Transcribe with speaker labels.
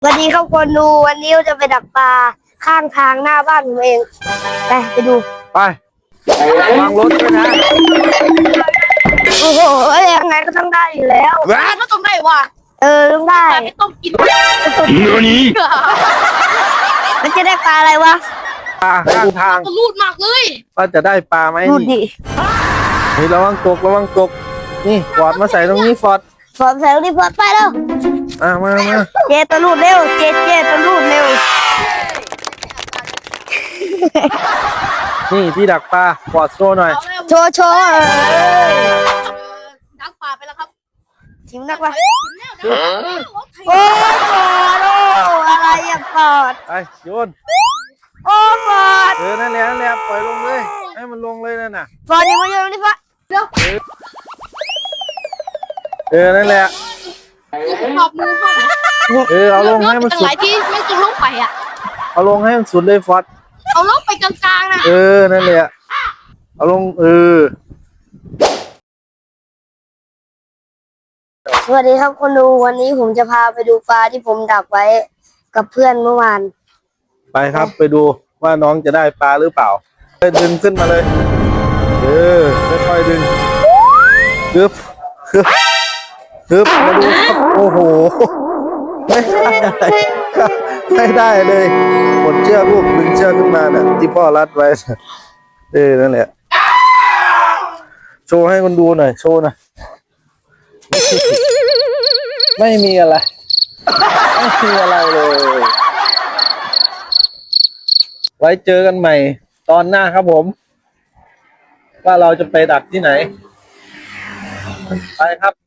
Speaker 1: สวัสดีครับคนดูวันนี้เราจะไปดักปลาข้างทางหน้าบ้านผมเองไปดู
Speaker 2: ไประวังรถด้วยนะ
Speaker 1: โอ้โหยังไงก็ต้องได้อยู่แล้ว
Speaker 3: ก็ต้องได้ว่ะ
Speaker 1: ต้องได้
Speaker 3: แต่ไม่ต้องกิน
Speaker 1: มันจะได้ปลาอะไรวะ
Speaker 2: ปลาข้างทาง
Speaker 3: ก็รูดมากเลย
Speaker 2: ว่าจะได้ปลาไหม
Speaker 1: ดูดิ
Speaker 2: นี่ระวังตกนี่ฟอร์ดมาใส่ตรงนี้ฟอร์ด
Speaker 1: ฝนใส่ลูกนี่ฝนไปแล้ว
Speaker 2: มา
Speaker 1: เจตัวรูดเร็วเจตัวรูดเร็ว
Speaker 2: นี่ที่ดักปลาฟอร์ดโซ่หน่อย
Speaker 1: โชว์
Speaker 3: ดักปลาไปแล้วครับ
Speaker 1: ทิมนักวะโอ้ปอดอะไรอะปอด
Speaker 2: ไปโยน
Speaker 1: โอ้ปอด
Speaker 2: นั่นแหละปล่อยลงเลยให้มันลงเลยนั่นน่ะ
Speaker 1: ปอดนี่มาโยนนี่ปะ
Speaker 2: นั่นแหละ
Speaker 3: ขอบมือพ่อ
Speaker 2: เอาลงให้มันสุ
Speaker 3: ห
Speaker 2: ด
Speaker 3: ลายที่ไม่ต้องลงไปอ่ะ
Speaker 2: เอาลงให้มันสุดเลยฟอร์ด
Speaker 3: เอาลงไปกลางๆนะ
Speaker 2: นั่นแหละเอาลง
Speaker 1: สวัสดีครับคนดูวันนี้ผมจะพาไปดูปลาที่ผมดักไว้กับเพื่อนเมื่อวาน
Speaker 2: ไปครับไปดูว่าน้องจะได้ปลาหรือเปล่าดึงขึ้นมาเลยค่อยๆดึงฮึบมาดูครับโอ้โหไม่ได้เลยหมดเชือกลูกดึงเชือกขึ้นมาเนี่ยที่พ่อรัดไว้นั่นแหละโชว์ให้คนดูหน่อยโชว์หน่อยไม่มีอะไรเลยไว้เจอกันใหม่ตอนหน้าครับผมว่าเราจะไปดักที่ไหนไปครับ